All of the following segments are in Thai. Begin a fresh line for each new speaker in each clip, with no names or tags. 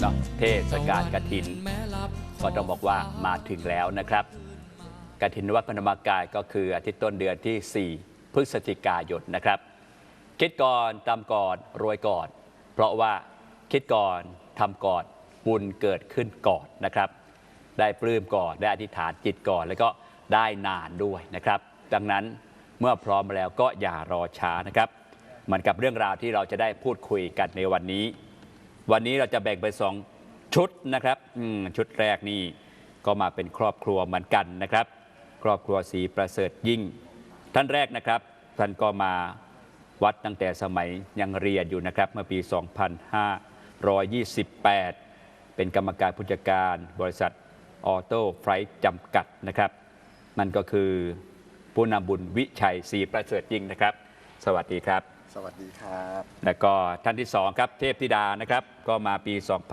นาะเทศกาลกฐินก็ต้องบอกว่ามาถึงแล้วนะครับกฐินวัดพระธรรมกายก็คืออาทิตย์ต้นเดือนที่ 4 พฤศจิกายนนะครับคิดก่อนทำก่อนรวยก่อนเพราะว่าคิดก่อนทำก่อนบุญเกิดขึ้นก่อนนะครับได้ปลื้มก่อนได้อธิษฐานจิตก่อนแล้วก็ได้นานด้วยนะครับดังนั้นเมื่อพร้อมแล้วก็อย่ารอช้านะครับเหมือนกับเรื่องราวที่เราจะได้พูดคุยกันในวันนี้เราจะแบ่งเป็น2ชุดนะครับชุดแรกนี่ก็มาเป็นครอบครัวเหมือนกันนะครับครอบครัวศรีประเสริฐยิ่งท่านแรกนะครับท่านก็มาวัดตั้งแต่สมัยยังเรียนอยู่นะครับเมื่อปี 2528 เป็นกรรมการผู้จัดการบริษัทออโต้ไฟท์จำกัดนะครับนั่นก็คือผู้นำบุญวิชัยศรีประเสริฐยิ่งนะครับสวัสดีครับ
สวัสดีครับ
แล้วก็ท่านที่2ครับเทพธิดานะครับก็มาปี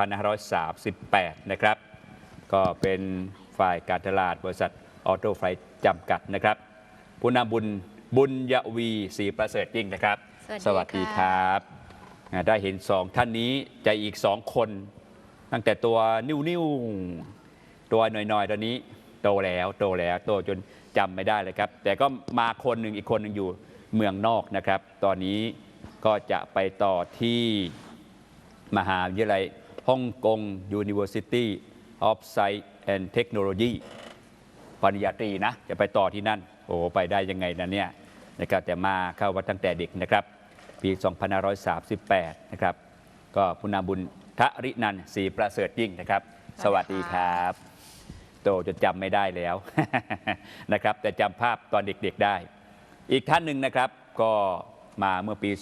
2538 นะครับก็เป็นฝ่ายการตลาดบริษัทออโต้ไฟท์จำกัดนะครับผู้นำบุญยวีศรีประเสริฐยิ่งนะครับ
สวัสดี
ครับได้เห็น2ท่านนี้ใจอีก2คนตั้งแต่ตัวนิ้วตัวหน่อยๆตอนนี้โตแล้วโตจนจำไม่ได้เลยครับแต่ก็มาคนหนึ่งอีกคนหนึ่งอยู่เมืองนอกนะครับตอนนี้ก็จะไปต่อที่มหาวิทยาลัยฮ่องกง University of Science and Technology ปริญญาตรีนะจะไปต่อที่นั่นโอ้ไปได้ยังไงนะเนี่ยนะครับแต่มาเข้าวัดตั้งแต่เด็กนะครับปี 2538 นะครับก็ผู้นำบุญทรินันท์ศรีประเสริฐยิ่งนะครับสวัสดีครับโตจนจำไม่ได้แล้วนะครับแต่จำภาพตอนเด็กๆได้อีกท่านหนึ่งนะครับก็มาเมื่อปี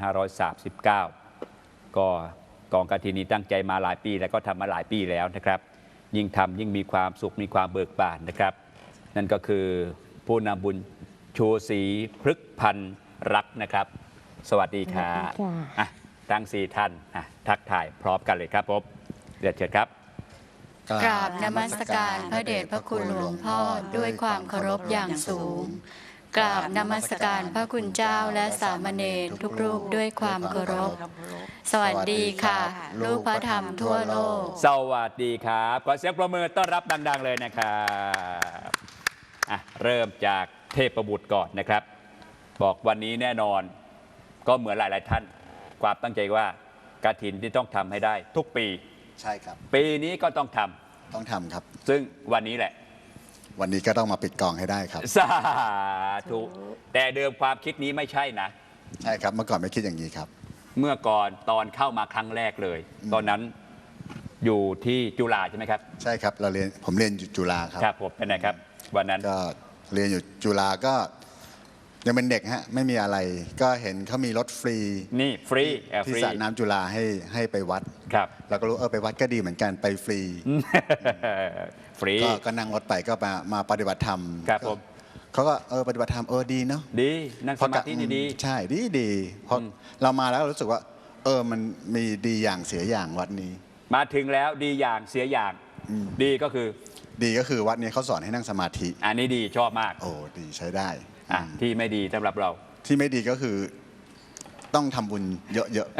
2539 ก็กองกฐินนี้ตั้งใจมาหลายปีแล้วก็ทำมาหลายปีแล้วนะครับยิ่งทำยิ่งมีความสุขมีความเบิกบานนะครับนั่นก็คือผู้นำบุญชูศรีพฤกษ์พันธ์รักนะครับสวัสดีครับทั้ง4ท่านทักทายพร้อมกันเลยครับผมเรียนเชิญครับ
กราบนมัสการพระเดชพระคุณหลวงพ่อด้วยความเคารพอย่างสูงกราบนมัสการพระคุณเจ้าและสามเณรทุกรูปด้วยความเคารพสวัสดีค่ะลูกพระธรรมทั่วโลก
สวัสดีครับขอเสียงปรบมือต้อนรับดังๆเลยนะครับเริ่มจากเทพบุตรก่อนนะครับบอกวันนี้แน่นอนก็เหมือนหลายๆท่านความตั้งใจว่ากฐินที่ต้องทำให้ได้ทุกปี
ใช่ครับ
ปีนี้ก็ต้องท
ำครับ
ซึ่งวันนี้แหละ
วันนี้ก็ต้องมาปิดกองให้ได้ครับ
สาธุแต่เดิมความคิดนี้ไม่ใช่นะ
ใช่ครับเมื่อก่อนไม่คิดอย่างนี้ครับ
เมื่อก่อนตอนเข้ามาครั้งแรกเลยตอนนั้นอยู่ที่จุฬาใช่ไหมครับ
ใช่ครับผมเรียนอยู่จุฬาครับ
ครับผมเป็นไงครับวันนั้น
ก็เรียนอยู่จุฬาก็ยังเป็นเด็กฮะไม่มีอะไรก็เห็นเขามีรถฟรี
นี่ฟรี
ที่สระน้ำจุฬาให้ไปวัด
ครับ
เราก็รู้ไปวัดก็ดีเหมือนกันไปฟรี
ฟรี
ก็นั่งรถไปก็มาปฏิบัติธรรม
ครับผม
เขาก็ปฏิบัติธรรมดีเนาะ
ดีนั่งสมาธิดี
ใช่ดีเพราะเรามาแล้วรู้สึกว่ามันมีดีอย่างเสียอย่างวัดนี้
มาถึงแล้วดีอย่างเสียอย่างดีก็คือ
วัดนี้เขาสอนให้นั่งสมาธิ
อันนี้ดีชอบมาก
ดีใช้ได้
ที่ไม่ดีสำหรับเรา
ที่ไม่ดีก็คือต้องทำบุญเยอะ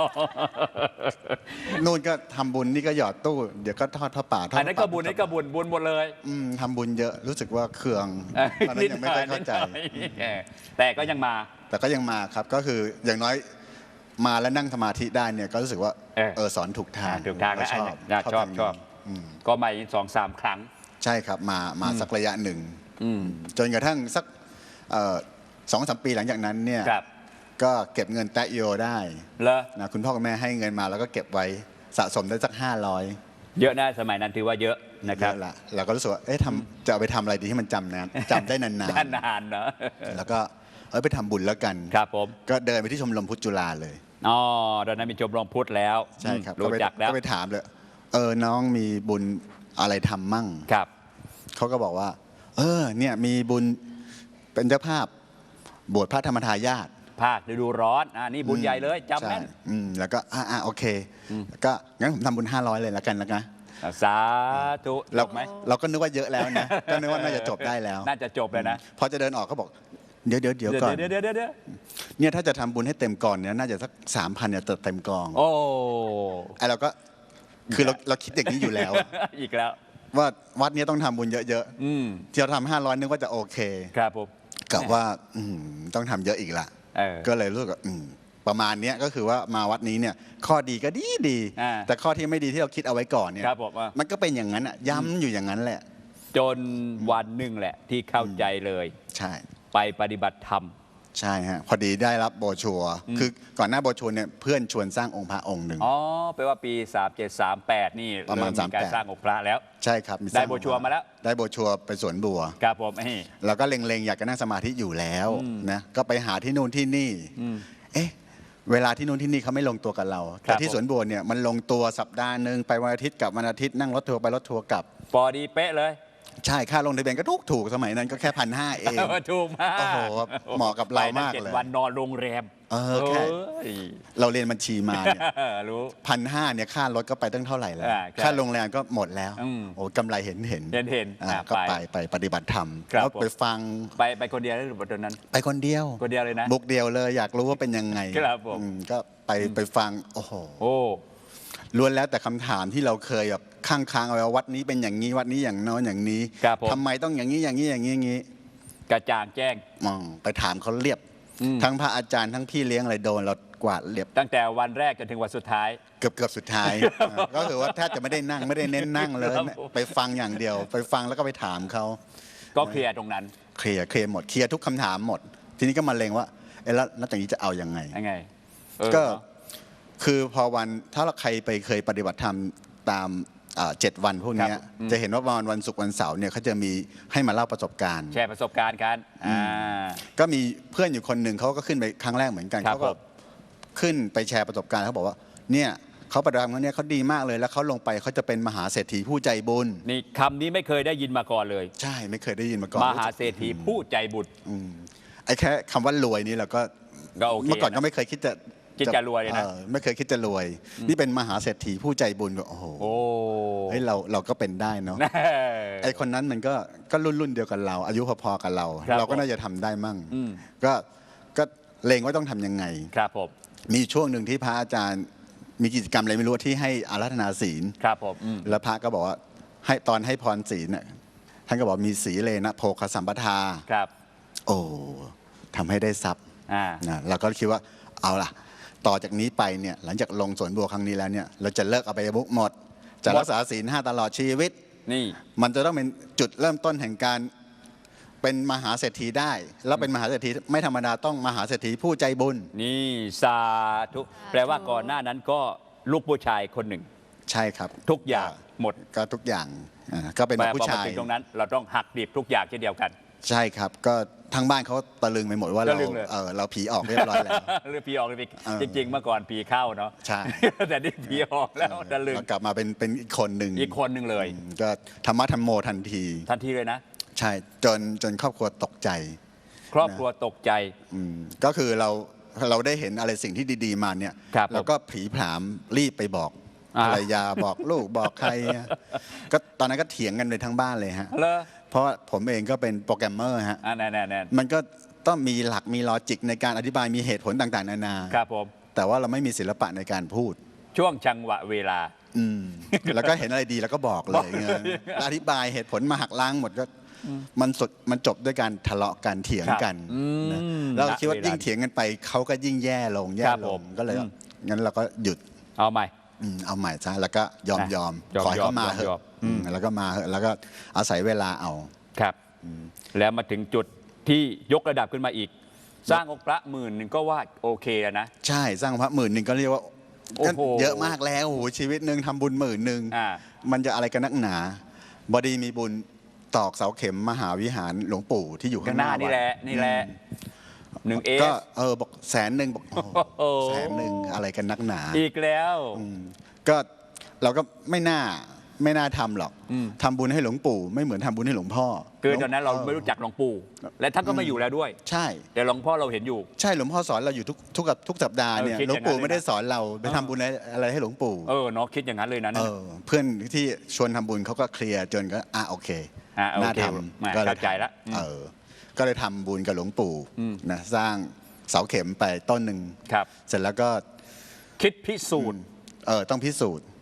ๆนู่นก็ทำบุญนี่ก็หยอดตู้เดี๋ยวก็ทอดผ้าป่า
อันนั้นก็บุญนี่ก็บุญหมดเลย
ทำบุญเยอะรู้สึกว่าเคืองตอนนั้นยังไม่ค่อยเข้าใจ
แต่ก็ยัง
มาครับก็คืออย่างน้อยมาแล้วนั่งสมาธิได้เนี่ยก็รู้สึกว่าสอนถูกทาง
แล้วชอบก็มาอีก 2-3 ครั้ง
ใช่ครับมาสักระยะหนึ่งจนกระทั่งสัก2-3 ปีหลังจากนั้นเนี่ยก็เก็บเงินแตะโยได้นะคุณพ่อคุณแม่ให้เงินมาแล้วก็เก็บไว้สะสมได้สัก500
เยอะนะสมัยนั้นถือว่าเยอะนะครับ
เราก็รู้สึกว่าจะเอาไปทำอะไรดีที่มันจำได้นาน
ๆนานเนาะ
แล้วก็ไปทำบุญแล้วกัน
ครับผม
ก็เดินไปที่ชมรมพุทธจุฬาเลย
ตอนนั้นมีชมรมพุทธแล้ว
ใช่ครับ
รู้จักแล้ว
ก็ไปถามเลยน้องมีบุญอะไรทำมั่ง
ครับ
เขาก็บอกว่าเนี่ยมีบุญเป็นเจ้าภาพบวชพระธรรมทายาท
ภาคฤดูร้อนนี่บุญใหญ่เลยจำแม่น
แล้วก็โอเคก็งั้นผมทำบุญ500เลยแล้วกันนะ
สาธุ
เราก็นึกว่าเยอะแล้วนะก็นึกว่าน่าจะจบได้แล้ว
น่าจะจบเลยนะ
พอจะเดินออกก็บอกเดี๋ยวก่อนเนี่ยถ้าจะทำบุญให้เต็มกองเนี่ยน่าจะสัก 3,000 เนี่ยเต็มกอง
ไอเราก็
คือเราคิดอย่างนี้อยู่แล้ว
อีกแล้ว
ว่าวัดนี้ต้องทำบุญเยอะๆที่เราทำ500นึกว่าจะโอเค
ครับผม
กับว่าต้องทำเยอะอีกละก็เลยรู้สึกว่าประมาณนี้ก็คือว่ามาวัดนี้เนี่ยข้อดีก็ดีแต่ข้อที่ไม่ดีที่เราคิดเอาไว้ก่อนเนี่ยมันก็เป็นอย่างนั้นย้ำอยู่อย่างนั้นแหละ
จนวันหนึ่งแหละที่เข้าใจเลย
ใช่
ไปปฏิบัติธรรม
ใช่ฮะพอดีได้รับโบชัวคือก่อนหน้าโบชัวเนี่ยเพื่อนชวนสร้างองค์พระองค์หนึ่ง
อ๋อแปลว่าปี3738นี่
ประมาณ
38การสร้างองค์พระแล้ว
ใช่ครับ
ได้โบชัวมาแล้ว
ได้โบชัวไปสวนบัว
ครับผม
แล้วก็เล็งๆอยากจะนั่งสมาธิอยู่แล้วนะก็ไปหาที่นู่นที่นี่เวลาที่นู่นที่นี่เขาไม่ลงตัวกับเราแต่ที่สวนบัวเนี่ยมันลงตัวสัปดาห์นึงไปวันอาทิตย์กับวันอาทิตย์นั่งรถทัวร์ไปรถทัวร์กลับ
พอดีเป๊ะเลย
ใช่ค่าลงทะเบียนก็ถูกสมัยนั้นก็แค่1,500เอง
ถูกมาก
โอ้โหเหมาะกับเรามากเลย
วันนอนโรงแรม
แค่เราเรียนบัญชีมาเนี่ย
รู้
1,500เนี่ยค่ารถก็ไปตั้งเท่าไหร่แล้วค่าโรงแรมก็หมดแล้วโอ้กำไรเห็นก็ไปปฏิบัติธรรมแล้วไปฟัง
ไปคนเดียวหรือตอนนั้น
ไปคนเดียว
เลยนะ
บุกเดียวเลยอยากรู้ว่าเป็นยังไงก็ไปฟังโอ้โหล้วนแล้วแต่คำถามที่เราเคยแบบค้างเอาไว้วัดนี้เป็นอย่างนี้วัดนี้อย่างโน้นอย่างนี้ทำไมต้องอย่างนี้อย่างนี้
กระจ่างแจ้ง
ไปถามเขาเรียบทั้งพระอาจารย์ทั้งพี่เลี้ยงอะไรโดนเรากวาดเรียบ
ตั้งแต่วันแรกจนถึงวันสุดท้าย
เกือบสุดท้ายก็คือว่าแทบจะไม่ได้นั่งไม่ได้เน้นนั่งเลยไปฟังอย่างเดียวไปฟังแล้วก็ไปถามเขา
ก็เคลียร์ตรงนั้น
เคลียร์หมดเคลียร์ทุกคำถามหมดทีนี้ก็มาเลงว่าแล้วนับจากนี้จะเอายังไงก็คือพอวันถ้าใครไปเคยปฏิบัติธรรมตาม7 วันพวกนี้จะเห็นว่าวันศุกร์วันเสาร์เนี่ยเขาจะมีให้มาเล่าประสบการณ์
แชร์ประสบการณ์กัน
ก็มีเพื่อนอยู่คนหนึ่งเขาก็ขึ้นไปครั้งแรกเหมือนกันเขาก็ขึ้นไปแชร์ประสบการณ์เขาบอกว่าเนี่ยเขาปฏิบัติธรรมเนี่ยเขาดีมากเลยแล้วเขาลงไปเขาจะเป็นมหาเศรษฐีผู้ใจบุญ
นี่คำนี้ไม่เคยได้ยินมาก่อนเลย
ใช่ไม่เคยได้ยินมาก่อน
มหาเศรษฐีผู้ใจบุญ
ไอ้แค่คำว่ารวยนี่เราก็เมื่อก่อนก็ไม่เคยคิดจะ
รวยเลยนะ
ไม่เคยคิดจะรวยนี่เป็นมหาเศรษฐีผู้ใจบุญก็โอ้โหเฮ้ยเราก็เป็นได้เนาะไอคนนั้นมันก็รุ่นเดียวกันเราอายุพอๆกันเราก็น่าจะทำได้มั่งก็เลงว่าต้องทำยังไง
ครับผม
มีช่วงหนึ่งที่พระอาจารย์มีกิจกรรมอะไรไม่รู้ที่ให้อาราธนาศีล
ครับผม
แล้วพระก็บอกว่าให้ตอนให้พรศีลเนี่ยท่านก็บอกมีสีเลนะโภคสัมปทา
ครับ
โอ้ทำให้ได้ทรัพย์เราก็คิดว่าเอาล่ะต่อจากนี้ไปเนี่ยหลังจากลงสวนบัวครั้งนี้แล้วเนี่ยเราจะเลิกอบายมุขหมดจะรักษาศีล5ตลอดชีวิต
นี่
มันจะต้องเป็นจุดเริ่มต้นแห่งการเป็นมหาเศรษฐีได้แล้วเป็นมหาเศรษฐีไม่ธรรมดาต้องมหาเศรษฐีผู้ใจบุญ
นี่สาธุแปลว่าก่อนหน้านั้นก็ลูกผู้ชายคนหนึ่ง
ใช่ครับ
ทุกอย่างหมด
ก็ทุกอย่างก็เป็นผู้ชาย
ตรงนั้นเราต้องหักดิบทุกอย่างเช่นเดียวกัน
ใช่ครับก็ทางบ้านเขาตะลึงไปหมดว่าเราผีออกเรียบร้อยแล้ว
หรือผีออกเลยจริงๆเมื่อก่อนผีเข้าเนาะ
ใช่
แต่นี่ผีออกแล้วตะลึง
กลับมาเป็นอีกคนหนึ่ง
เลย
ก็ธรรมะธรรมโมทันที
เลยนะ
ใช่จนครอบครัวตกใจ
ครอบครัวตกใจ
ก็คือเราได้เห็นอะไรสิ่งที่ดีๆมาเนี่ยเราก็ผีผามรีบไปบอกภรรยาบอกลูกบอกใครก็ตอนนั้นก็เถียงกันเลยทั้งบ้านเลยฮะเพราะผมเองก็เป็นโปรแกรมเมอร์ฮะมันก็ต้องมีหลักมีลอจิกในการอธิบายมีเหตุผลต่างๆนานา
ครับผม
แต่ว่าเราไม่มีศิลปะในการพูด
ช่วงจังหวะเวลา
แล้วก็เห็นอะไรดีแล้วก็บอกเลยอธิบายเหตุผลมาหักล้างหมดก็มันจบด้วยการทะเลาะกันเถียงกันแล้วคิดว่ายิ่งเถียงกันไปเขาก็ยิ่งแย่ลงก็เลยงั้นเราก็หยุด
เอาใหม่
ซะแล้วก็ยอมขอให้เขามาเถอะแล้วก็มาเถอะแล้วก็อาศัยเวลาเอา
ครับแล้วมาถึงจุดที่ยกระดับขึ้นมาอีกสร้างองค์พระ10,000ก็ว่าโอเคแล้วนะ
ใช่สร้างพระ10,000ก็เรียกว่าเยอะมากแล้วโอ้โหชีวิตหนึ่งทำบุญ10,000มันจะอะไรกันนักหนาบดีมีบุญตอกเสาเข็มมหาวิหารหลวงปู่ที่อยู่ข้างหน้า
นี่แหละ
ก็บอก100,000บอก100,000อะไรกันนักหนา
อีกแล้ว
ก็เราก็ไม่น่าทำหรอกทำบุญให้หลวงปู่ไม่เหมือนทำบุญให้หลวงพ่อ
คือตอนนั้นเราไม่รู้จักหลวงปู่และท่านก็ไม่อยู่แล้วด้วย
ใช่
แต่หลวงพ่อเราเห็นอยู่
ใช่หลวงพ่อสอนเราอยู่ทุกสัปดาห์เนี่ยหลวงปู่ไม่ได้สอนเราไปทำบุญอะไรให้หลวงปู่
เนาะคิดอย่างนั้นเลยนะ
เพื่อนที่ชวนทำบุญเขาก็เคลียร์จนก็โอเคน่าทำ
ก็เข้าใจแล้ว
ก็เลยทำบุญกับหลวงปู่นะสร้างเสาเข็มไปต้นหนึ่งเสร็จแล้วก็
คิดพิสูจน์
ต้องพิสูจน์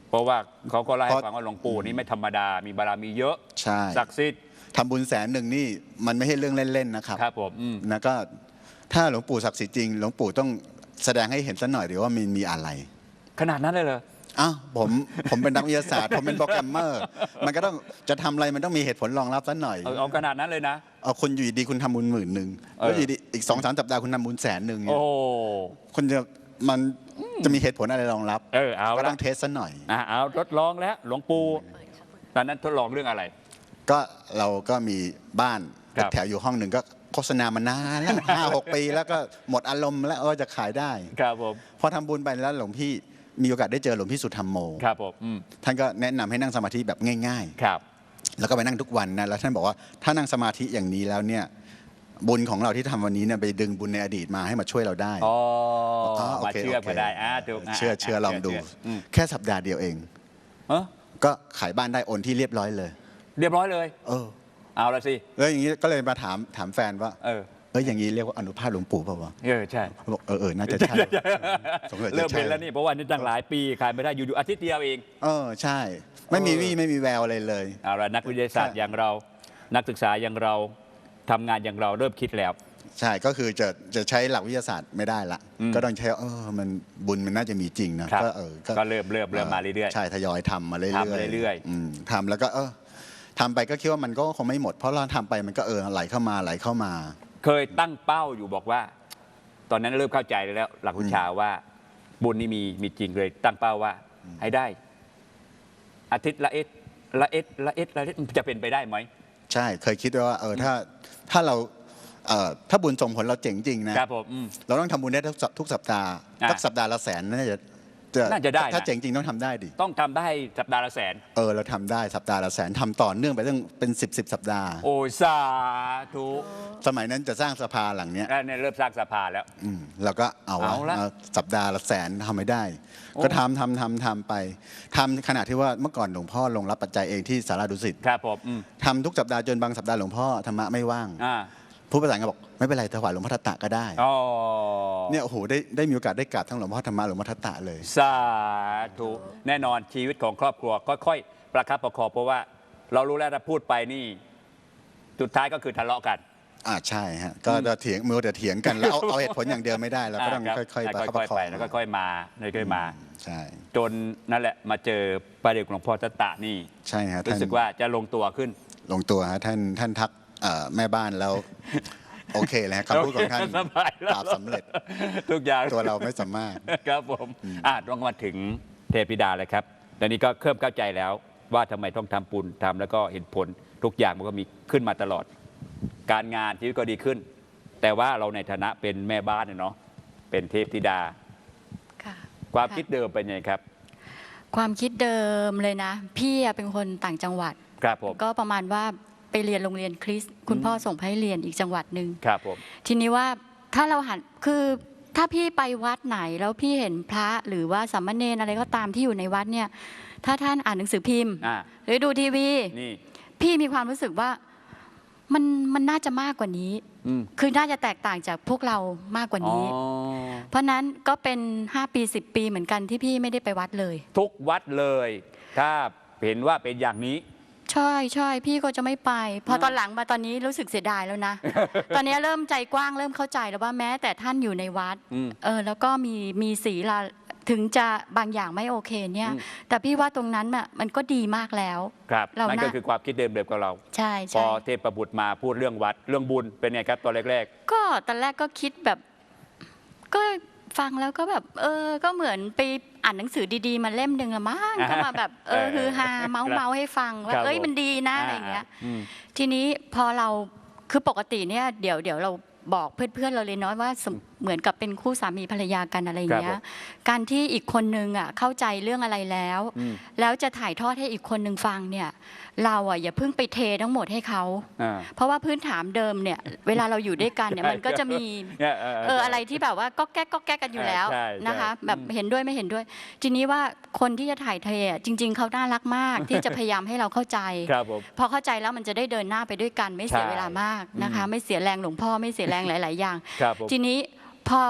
เพราะว่าเขาก็เล่าให้ฟังว่าหลวงปู่นี่ไม่ธรรมดามีบารมีเยอะ
ใช่
ศักดิ์สิทธิ์
ทำบุญ100,000นี่มันไม่ใช่เรื่องเล่นๆนะครับ
ครับผม
นะก็ถ้าหลวงปู่ศักดิ์สิทธิ์จริงหลวงปู่ต้องแสดงให้เห็นซะหน่อยหรือว่ามีอะไร
ขนาดนั้นเลยเหรอ
อ้าวผมเป็นนักวิทยาศาสตร์ผมเป็นโปรแกรมเมอร์ มันก็ต้องจะทำอะไรมันต้องมีเหตุผลรองรับซะหน่อย
เอาขนาดนั้นเลยนะ
เอาคุณอยู่ดีคุณทำบุญ10,000แล้วอยู่ดีอีก2-3 สัปดาห์คุณทำบุญ100,000เนี่
โอ้
ยคุณมันจะมีเหตุผลอะไรรองรับ
เอา
ก็
ละ
ต้องเทสซะหน่อย
เอาทดลองแล้วหลวงปู่ตอนนั้นทดลองเรื่องอะไร
ก็เราก็มีบ้าน
ครับ
แถวอยู่ห้องหนึ่งก็โฆษณามานานแล้ว 5-6 ปีแล้วก็หมดอารมณ์แล้วจะขายได้
ครับผม
พอทำบุญไปแล้วหลวงพี่มีโอกาสได้เจอหลวงพี่สุธรรมโม
ครับผม
ท่านก็แนะนำให้นั่งสมาธิแบบง่าย
ครับ
ๆ แล้วก็ไปนั่งทุกวันนะแล้วท่านบอกว่าถ้านั่งสมาธิอย่างนี้แล้วเนี่ยบุญของเราที่ทำวันนี้เนี่ยไปดึงบุญในอดีตมาให้มาช่วยเราได้
อ๋อ
โอ
มา
เค
เชื่อ
โอเค
ก็ได้ถูก
เชื่อลองดู
อืม
แค่สัปดาห์เดียวเอง
เออ
ก็ขายบ้านได้โอนที่เรียบร้อยเลย
เรียบร้อยเลย เอาละสิ
แล้วอย่างนี้ก็เลยมาถามแฟนว่า อย่างนี้เรียกว่าอนุภาพหลวงปู่เปล่าวะ
ใช่
เขาบอกน่าจะใช่สงสัยจะ
เริ่ม
ใช่
เป็นแล้วนี่เพราะว่านี่ตั้งหลายปีขายไม่ได้อยู่ๆอาทิตย์เดียวเอง
ใช่ ไม่มีวี่ไม่มีแววอะไรเลย
เอาละนักวิทยาศาสตร์อย่างเรานักศึกษาอย่างเราทำงานอย่างเราเริ่มคิดแล้ว
ใช่ก็คือจะใช้หลักวิทยาศาสตร์ไม่ได้ละก็ต้องใช้มันบุญมันน่าจะมีจริงนะครับ ก็
เริ่มมาเรื่อยๆ
ใช่ทยอยทำมาเรื่อยๆ
ทำเรื่อย
ทำแล้วก็ทำไปก็คิดว่ามันก็คงไม่หมดเพราะเราทำไปมันก็ไหลเข้ามา
เคยตั้งเป้าอยู่บอกว่า ตอนนั้นเริ่มเข้าใจแล้วหลักวิชาว่าบุญนี่มีจริงเลยตั้งเป้าว่าให้ได้ อาทิตย์ละเอ็ดจะเป็นไปได้ไหม
ใช่เคยคิดว่าถ้าเราถ้าบุญส่งผลเราเจ๋งจริงนะครับ
ผม
เราต้องทำบุญได้ทุกสัปดาห์สักสัปดาห์ละ100,000น่าจะได้ถ้าเจ๋งจริงต้องทำได้ดิ
ต้องทำได้สัปดาห์ละ100,000
เราทำได้สัปดาห์ละ100,000ทำต่อเนื่องไปตั้งเป็น10 สัปดาห์
โอ้สาธุ
สมัยนั้นจะสร้างสภาหลังเนี้ย
เริ่มสร้างสภาแล้ว
เราก็เอาสัปดาห์ละ100,000ทำไม่ได้ ก็ทำไปทำขนาดที่ว่าเมื่อก่อนหลวงพ่อลงรับปัจจัยเองที่สาราดุสิต
ครับผม
ทำทุกสัปดาห์จนบางสัปดาห์หลวงพ่อธรรมะไม่ว่างผู้ประสานงานบอกไม่เป็นไรถวายหลวงพ่อทัตตะก็ได้เนี่ยโอ้โหได้มีโอกาสได้กราบทั้งหลวงพ่อธรรมะหลวงพ่อทัตตะเลย
สาธุแน่นอนชีวิตของครอบครัวค่อยๆประคับประคองเพราะว่าเรารู้แล้วถ้าพูดไปนี่สุดท้ายก็คือทะเลาะกัน
ใช่ฮะก็จะเถียงกันแล้วเอาเหตุผลอย่างเดียวไม่ได้เราก็ต้องค่อยๆประคับประคอง
ไปแล้วค่อยๆมา
ใช่
จนนั่นแหละมาเจอประเด็นหลวงพ่อทัตตะนี่
ใช่ฮะ
รู้สึกว่าจะลงตัวขึ้น
ลงตัวฮะท่านทักแม่บ้านแล้วโอเคเลยคำพูดของท่านปราบสำเร็จ
ทุกอย่าง
ตัวเราไม่สามารถ
ครับผมต้องมาถึงเทพธิดาเลยครับตอนนี้ก็เริ่มเข้าใจแล้วว่าทำไมต้องทำบุญทำแล้วก็เห็นผลทุกอย่างมันก็มีขึ้นมาตลอดการงานชีวิตก็ดีขึ้นแต่ว่าเราในฐานะเป็นแม่บ้านเนาะเป็นเทพธิดาความคิดเดิมเป็นยังไงครับ
ความคิดเดิมเลยนะพี่เป็นคนต่างจังหวัด
ครับผม
ก็ประมาณว่าไปเรียนโรงเรียนคริสต์คุณพ่อส่งไปให้เรียนอีกจังหวัดหนึ่ง
ครับผม
ทีนี้ว่าถ้าเราหันคือถ้าพี่ไปวัดไหนแล้วพี่เห็นพระหรือว่าสามเณรอะไรก็ตามที่อยู่ในวัดเนี่ยถ้าท่านอ่านหนังสือพิมพ์หรือดูทีวีพี่มีความรู้สึกว่ามันน่าจะมากกว่านี้คือน่าจะแตกต่างจากพวกเรามากกว่านี้เพราะนั้นก็เป็น5 ปี10 ปีเหมือนกันที่พี่ไม่ได้ไปวัดเลย
ทุกวัดเลยถ้าเห็นว่าเป็นอย่างนี้
ใช่พี่ก็จะไม่ไปพอตอนหลังมาตอนนี้รู้สึกเสียดายแล้วนะ ตอนนี้เริ่มใจกว้างเริ่มเข้าใจแล้วว่าแม้แต่ท่านอยู่ในวัดแล้วก็มีศีลถึงจะบางอย่างไม่โอเคเนี่ยแต่พี่ว่าตรงนั้นมันก็ดีมากแล้ว
ครับนั่นก็คือความคิดเดิมกับเรา
ใช่
พอเทพบุตรมาพูดเรื่องวัดเรื่องบุญเป็นไงครับตอนแรก
ๆก็ตอนแรกก็คิดแบบก็ฟังแล้วก็แบบก็เหมือนไปอ่านหนังสือดีๆมาเล่มหนึ่งละมั้งก็มาแบบคือฮาเมาให้ฟังว่ามันดีนะอะไรอย่างเงี้ยทีนี้พอเราคือปกติเนี่ยเดี๋ยวเราบอกเพื่อนๆเราเลยเนาะว่าเหมือนกับเป็นคู่สามีภรรยากันอะไรอย่างเงี้ยการที่อีกคนนึงเข้าใจเรื่องอะไรแล้วจะถ่ายทอดให้อีกคนนึงฟังเนี่ยเราอย่าเพิ่งไปเททั้งหมดให้เขาเพราะว่าพื้นฐานเดิมเนี่ยเวลาเราอยู่ด้วยกันเนี่ยมันก็จะมีอะไรที่แบบว่าก็แก้กันอยู่แล้วนะคะแบบเห็นด้วยไม่เห็นด้วยทีนี้ว่าคนที่จะถ่ายเทจริงๆเขาน่ารักมากที่จะพยายามให้เราเข้าใจพอเข้าใจแล้วมันจะได้เดินหน้าไปด้วยกันไม่เสียเวลามากนะคะไม่เสียแรงหลวงพ่อไม่เสียแรงหลายๆอย่างทีนี้พอ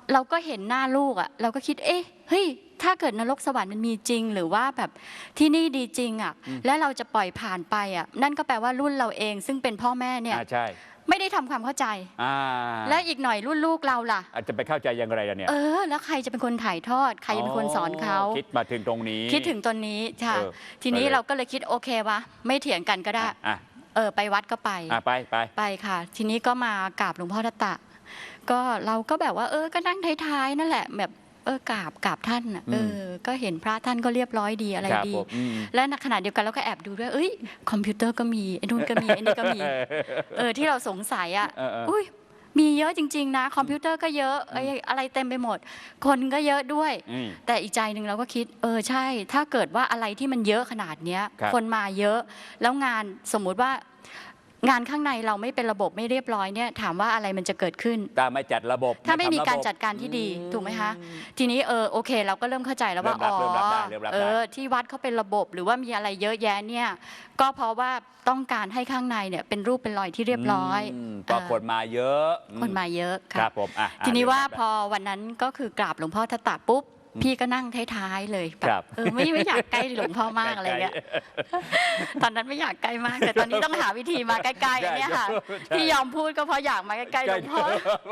เราก็เห็นหน้าลูกอ่ะเราก็คิดเฮ้ยถ้าเกิดนรกสวรรค์มันมีจริงหรือว่าแบบที่นี่ดีจริงอ่ะแล้วเราจะปล่อยผ่านไปอ่ะนั่นก็แปลว่ารุ่นเราเองซึ่งเป็นพ่อแม่เนี่ย
ใช่
ไม่ได้ทำความเข้าใจและอีกหน่อยรุ่นลูกเราล่ะ
อาจจะไปเข้าใจยังไงล่ะเนี่ย
แล้วใครจะเป็นคนถ่ายทอดใครจะเป็นคนสอนเขา
คิดมาถึงตรงนี้
คิดถึงตรงนี้ค่ะทีนี้เราก็เลยคิดโอเควะไม่เถียงกันก็ได้ไปวัดก็ไป
ไป
ค่ะทีนี้ก็มากราบหลวงพ่อทัตตะก็เราก็แบบว่าก็นั่งท้ายๆนั่นแหละแบบกราบท่านก็เห็นพระท่านก็เรียบร้อยดีอะไรดีและในขณะเดียวกันเราก็แอบดูด้วยคอมพิวเตอร์ก็มีไอ้นู่นก็มีไอ้นี่ก็มีที่เราสงสัยอุ้ยมีเยอะจริงๆนะคอมพิวเตอร์ก็เยอะอะไรเต็มไปหมดคนก็เยอะด้วยแต่อีกใจหนึ่งเราก็คิดใช่ถ้าเกิดว่าอะไรที่มันเยอะขนาดเนี้ยคนมาเยอะแล้วงานสมมุติว่างานข้างในเราไม่เป็นระบบไม่เรียบร้อยเนี่ยถามว่าอะไรมันจะเกิดขึ้น
ถ้าไม่จัดระบบ
ถ้าไม่มีการจัดการที่ดีถูกไหมคะทีนี้โอเคเราก็เริ่มเข้าใจแล้วว่าที่วัดเขาเป็นระบบหรือว่ามีอะไรเยอะแยะเนี่ยก็เพราะว่าต้องการให้ข้างในเนี่ยเป็นรูปเป็นรอยที่เรียบร้อย
ก็คนมาเยอะ
ครับผมทีนี้ว่าพอวันนั้นก็คือกราบหลวงพ่อทัตตะปุ๊บพี่ก็นั่งท้ายๆเลยแบบไม่อยากใกล้หลวงพ่อมากอะไรเงี้ยตอนนั้นไม่อยากใกล้มากแต่ตอนนี้ต้องหาวิธีมาใกล้ๆเนี่ยค่ะที่ยอมพูดก็เพราะอยากมาใกล้ๆหลวงพ่อ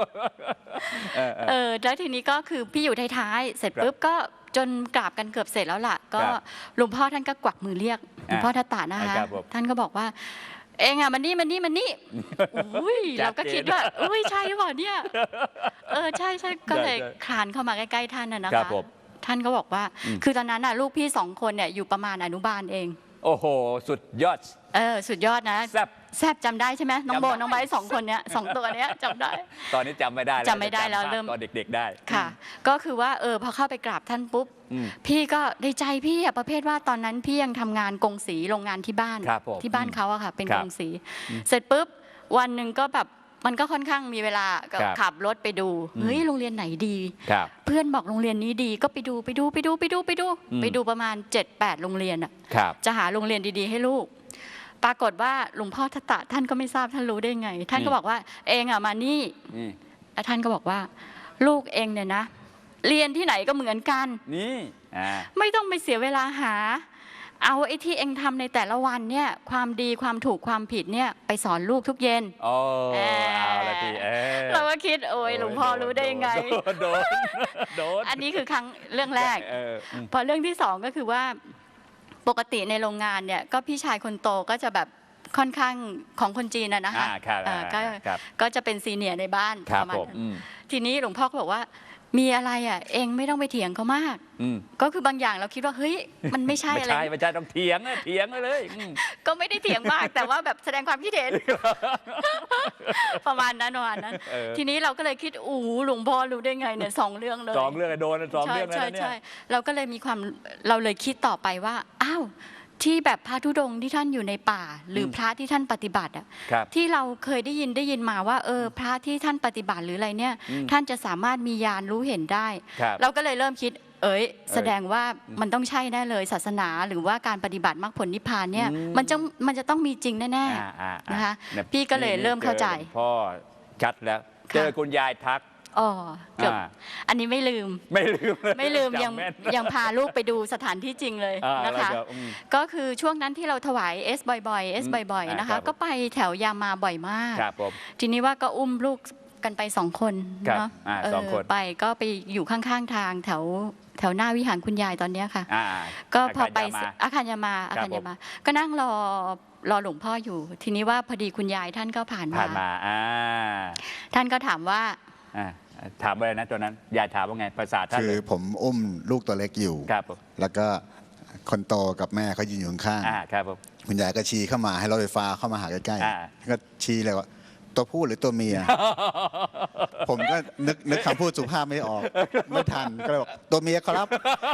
แล้วทีนี้ก็คือพี่อยู่ท้ายๆเสร็จปุ๊บก็จนกราบกันเกือบเสร็จแล้วล่ะก็หลวงพ่อท่านก็กวักมือเรียกหลวงพ่อทัตตะนะคะท่านก็บอกว่าเองมันนี่อุ้ยเราก็คิดว่าอุ้ยใช่หรือเปล่าเนี่ยใช่ก็เลยคลานเข้ามาใกล้ๆท่านนะคะท่านก็บอกว่าคือตอนนั้นลูกพี่2 คนเนี่ยอยู่ประมาณอนุบาลเอง
โอ้โหสุดยอด
สุดยอดนะแซบจำได้ใช่ไหมน้องโบน้องไบร์ท2 คนเนี้ย2 ตัวเนี้ยจำได้
ตอนนี้จำไม่ได้
แล้วเริ่ม
ตอนเด็กๆได้
ค่ะก็คือว่าพอเข้าไปกราบท่านปุ๊บพี่ก็ในใจพี่ประเภทว่าตอนนั้นพี่ยังทำงานกงสีโรงงานที่บ้านเขาอะค่ะเป็นกงสีเสร็จปุ๊บวันหนึ่งก็แบบมันก็ค่อนข้างมีเวลาขับรถไปดูเฮ้ยโรงเรียนไหนดีเพื่อนบอกโรงเรียนนี้ดีก็ไปดูประมาณ 7-8 โรงเรียนอะจะหาโรงเรียนดีๆให้ลูกปรากฏว่าหลวงพ่อทัตตะท่านก็ไม่ทราบท่านรู้ได้ไงท่านก็บอกว่าเองมานี่แล้วท่านก็บอกว่าลูกเองเนี่ยนะเรียนที่ไหนก็เหมือนกัน
นี่
ไม่ต้องไปเสียเวลาหาเอาไอ้ที่เองทำในแต่ละวันเนี่ยความดีความถูกความผิดเนี่ยไปสอนลูกทุกเย็น
เอาละที
เราก็คิดโอ้ยหลวงพ่อรู้ได้ยังไง
โดน
อันนี้คือเรื่องแรกพอเรื่องที่2ก็คือว่าปกติในโรงงานเนี่ยก็พี่ชายคนโตก็จะแบบค่อนข้างของคนจีนนะคะก็จะเป็นซีเนียร์ในบ้านประมาณนั้นทีนี้หลวงพ่อก็บอกว่ามีอะไรเองไม่ต้องไปเถียงเขามากก็คือบางอย่างเราคิดว่าเฮ้ยมันไม่ใช่อะไร
ไม่ใช่ต้องเถียงเลย
ก็ไม่ได้เถียงมากแต่ว่าแบบแสดงความคิดเห็นประมาณนั้นทีนี้เราก็เลยคิดหลวงพ่อรู้ได้ไงเนี่ย2 เรื่องเลย
2 เรื่องโดน2 เรื่องแล้วเนี่ย
ใช่เราก็เลยมีความเราเลยคิดต่อไปว่าอ้าวที่แบบพระธุดงค์ที่ท่านอยู่ในป่าหรือพระที่ท่านปฏิบัติที่เราเคยได้ยินมาว่าพระที่ท่านปฏิบัติหรืออะไรเนี่ยท่านจะสามารถมีญาณรู้เห็นได้เราก็เลยเริ่มคิดแสดงว่ามันต้องใช่แน่เลยศาสนาหรือว่าการปฏิบัติมรรคผลนิพพานเนี่ยมันจะต้องมีจริงแน่ๆนะคะพี่ก็เลยเริ่มเข้าใจ
พ่อชัดแล้วเจอคุณยายทัก
เกือบอันนี้ไม่ลืมยังพาลูกไปดูสถานที่จริงเลยนะคะก็คือช่วงนั้นที่เราถวายบ่อยๆนะคะก็ไปแถวยามาบ่อยมากทีนี้ว่าก็อุ้มลูกกันไป2 คนเนาะไปก็ไปอยู่ข้างๆทางแถวหน้าวิหารคุณยายตอนนี้ค่ะก็พอไปอาคารยามาก็นั่งรอหลวงพ่ออยู่ทีนี้ว่าพอดีคุณยายท่านก็ผ่านมาท่านก็ถามว่า
ถามอะไรนะตอนนั้นยายถามว่าไงภาษาท่าน
คือผมอุ้มลูกตัวเล็กอยู่แล้วก็คนโตกับแม่เขายืนอยู่ข้างๆคุณยายก็ชี้เข้ามาให้รถไฟฟ้าเข้ามาหาใกล้ๆก็ชี้เลยว่าตัวผู้หรือตัวเมียผมก็นึกคำพูดสุภาพไม่ออกไม่ทันก็เลยบอกตัวเมียครับ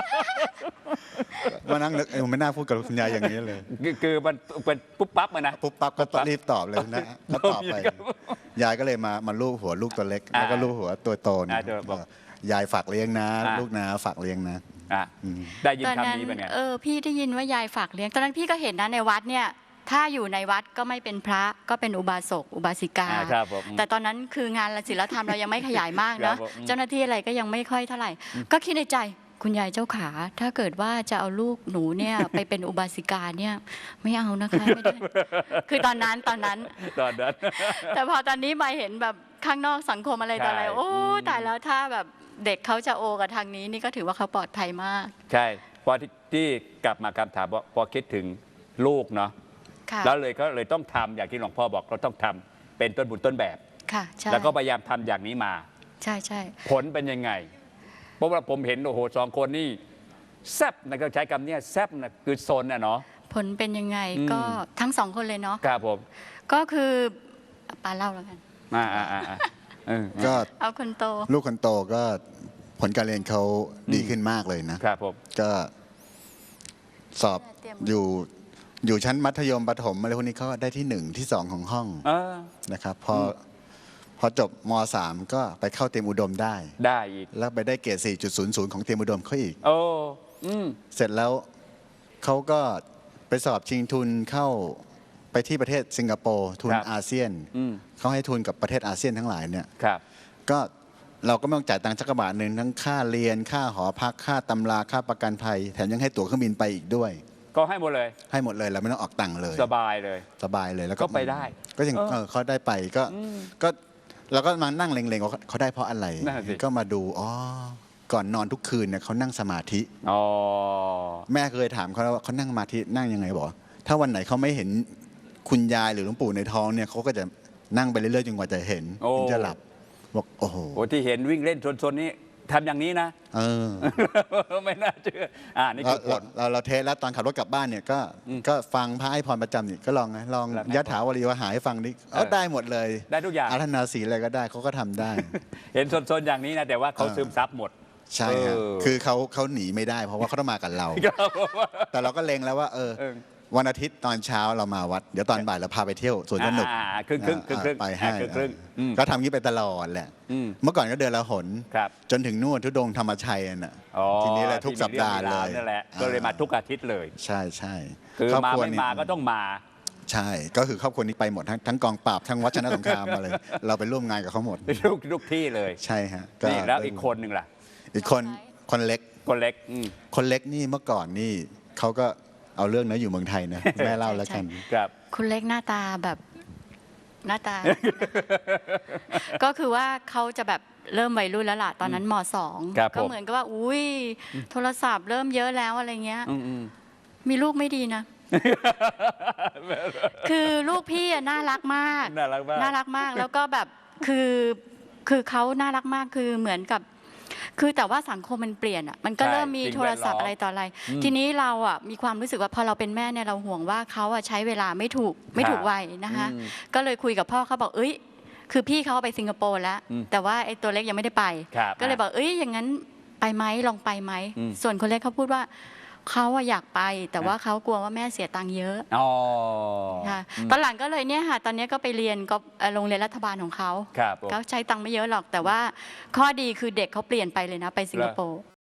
มานั่งนึกไม่น่าพูดกับคุณยายอย่างนี้เลย
คือมันเป็นปุ๊บปั๊บนะ
ปุ๊บปั๊บก็รีบตอบเลยนะก็ตอบไปยายก็เลยมาลูบหัวลูกตัวเล็กแล้วก็ลูบหัวตัวโตเนี่ยยายฝากเลี้ยงนะลูกนะฝากเลี้ยงนะ
ได้ยินคำนี้เป็นไง
พี่ได้ยินว่ายายฝากเลี้ยงตอนนั้นพี่ก็เห็นนะในวัดเนี่ยถ้าอยู่ในวัดก็ไม่เป็นพระก็เป็นอุบาสกอุบาสิกา
ครับผม
แต่ตอนนั้นคืองานศิลธรรมเรายังไม่ขยายมาก
ครั
นะ
บผม
เจ้าหน้าที่อะไรก็ยังไม่ค่อยเท่าไหร่ ก็คิดในใจคุณยายเจ้าขาถ้าเกิดว่าจะเอาลูกหนูเนี่ย ไปเป็นอุบาสิกาเนี่ยไม่เอานะคะไม่ได้ คือตอนนั้น
ตอนนั้น
แต่พอตอนนี้มาเห็นแบบข้างนอกสังคมอะไรต่ออะไร
ใช่
โอ้ตายแล้วถ้าแบบเด็กเขาจะโอกับทางนี้นี่ก็ถือว่าเขาปลอดภัยมาก
ใช่พอที่กลับมาคำถามว่าพอคิดถึงลูกเนาะ
ค่ะ
แล้วเลยก็เลยต้องทำอย่างที่หลวงพ่อบอกเราต้องทำเป็นต้นบุญต้นแบบ
ค่ะใช่
แล้วก็พยายามทำอย่างนี้มา
ใช่ใช่
ผลเป็นยังไง เพราะว่าผมเห็นโอ้โหสองคนนี่แซบนะก็ใช้คำเนี้ยแซบนะคือโซนน่ะเนาะ
ผลเป็นยังไง
อืม
ก็ทั้งสองคนเลยเนาะ
ครับผม
ก็คือปาเล่าแล้วกัน
ก็
เอาคนโต
ลูกคนโตก็ผลการเรียนเขาดีขึ้นมากเลยนะ
ครับผม
ก็สอบอยู่ชั้นมัธยมประถมอะไรพวกนี้เขาได้ที่ 1 ที่ 2 ของห้อง
เออ
นะครับพอจบม .3 ก็ไปเข้าเตรียมอุดมได้
ได้อีก
แล้วไปได้เกรด 4.00 ของเตรียมอุดมเขาอีก
โอ้อืม
เสร็จแล้วเขาก็ไปสอบชิงทุนเข้าไปที่ประเทศสิงคโปร์ทุน
ครับ
อาเซียน
อืม
เขาให้ทุนกับประเทศอาเซียนทั้งหลายเนี่ย
ครับ
ก็เราก็ไม่ต้องจ่ายตังค์สักกระบาทหนึ่งทั้งค่าเรียนค่าหอพักค่าตำราค่าประกันภัยแถมยังให้ตั๋วเครื่องบินไปอีกด้วย
ก็ให้หมดเลย
ให้หมดเลยเราไม่ต้องออกตังค์เลย
สบายเลย
สบายเลยแล้ว
ก็ไปได้
ก็ยังเขาได้ไปก็เราก็มานั่งเล็งๆว่าเขาได้เพราะอะไร
นั่นสิ
ก็มาดูอ๋อก่อนนอนทุกคืนเนี่ยเขานั่งสมาธิ
อ๋อ
แม่เคยถามเขาแล้วว่าเขานั่งสมาธินั่งยังไงบอกถ้าวันไหนเขาไม่เห็นคุณยายหรือหลวงปู่ในท้องเนี่ยเขาก็จะนั่งไปเรื่อยๆจนกว่าจะเห็น
โอ้
ถึงจะหลับบอกโอ้โห
โอ้ที่เห็นวิ่งเล่นโซนๆนี้ทำอย่างนี้นะ
เออ
ไม่น่าเชื่อนี่คือผล
เราเทสแล้วตอนขับรถกลับบ้านเนี่ยก็ฟังพระให้พรประจำนี่ก็ลองนะลอง
แล้วไง
ยะถาวรีวหาให้ฟังนี่ได้หมดเลย
ได้ทุกอย่าง
อารัธนาศีลอะไรก็ได้เขาก็ทำได้
เห็นโซนๆอย่างนี้นะแต่ว่าเขาซึมซับหมด
ใช่ครับ
เออ
คือเขาหนีไม่ได้ เพราะว่าเขาต้องมากับเรา แต่เราก็เล็งแล้วว่าวันอาทิตย์ตอนเช้าเรามาวัดเดี๋ยวตอนบ่ายเราพาไปเที่ยวสวนสนุก
ครึ่ง
ไปให้
ครึ่งอืม
ก็ทำงี้ไปตลอดแหละ
อืม
เมื่อก่อนก็เดือนละหน
ครับ
จนถึงนู่นทุดงค์ธรรมชัยน่ะ
อ๋อ
ทีนี้เลยทุกสัปดาห์เลย
นั่นแหละก็เลยมาทุกอาทิตย์เลย
ใช่ใช่
คือ
รบ
มา
รัว
ไม่
นี้
มาก็ต้องมา
ใช่ก็คือครอบครัวนี้ไปหมดทั้งกองปราบทั้งวัชรสงครามมาเลย เราไปร่วมงานกับเขาหมด
ทุกที่เลย
ใช่ฮะ
นี่แล้วอีกคนหนึ่งล่ะ
อีกคนเล็ก
คนเล็ก
คนเล็กนี่เมื่อก่อนนี่เขาก็เอาเรื่องนะอยู่เมืองไทยนะ แม่เล่าแล้วกัน
ครับ
คุณเล็กหน้าตาแบบหน้าตา ก็คือว่าเขาจะแบบเริ่มวัยรุ่นแล้วล่ะตอนนั้นม
ครับ
.2 ก็เหมือนกับว่าอุ้ยโทรศัพท์เริ่มเยอะแล้วอะไรเงี้ย
อืม
มีลูกไม่ดีนะ คือลูกพี่อะน่ารักมาก
น่ารักมาก
น่ารักมากแล้วก็แบบคือเขาน่ารักมากคือเหมือนกับ คือแต่ว่าสังคมมันเปลี่ยนอ่ะมันก็
ใช่
เริ่มมี
สิ่ง
โทรศัพท์
แวดล้อม
อะไรต่ออะไร ทีนี้เราอ่ะมีความรู้สึกว่าพอเราเป็นแม่เนี่ยเราห่วงว่าเขาอ่ะใช้เวลาไม่ถูกวัยนะคะ ก็เลยคุยกับพ่อเขาบอกเอ้ยคือพี่เขาไปสิงคโปร์แล้ว แต่ว่าไอ้ตัวเล็กยังไม่ได้ไป
ครับ
ก็เลยบอกเอ้ยอย่างนั้นไปไหมลองไปไหม ส่วนคนเล็กเขาพูดว่าเขาอะอยากไป แต่ว่าเขากลัวว่าแม่เสียตังค์เยอะ
อ๋อ
ค่ะตอนหลังก็เลยเนี่ยค่ะตอนนี้ก็ไปเรียนก็โรงเรียนรัฐบาลของเขา
ครับผม
เขาใช้ตังค์ไม่เยอะหรอก แต่ว่าข้อดีคือเด็กเขาเปลี่ยนไปเลยนะไปสิงคโปร์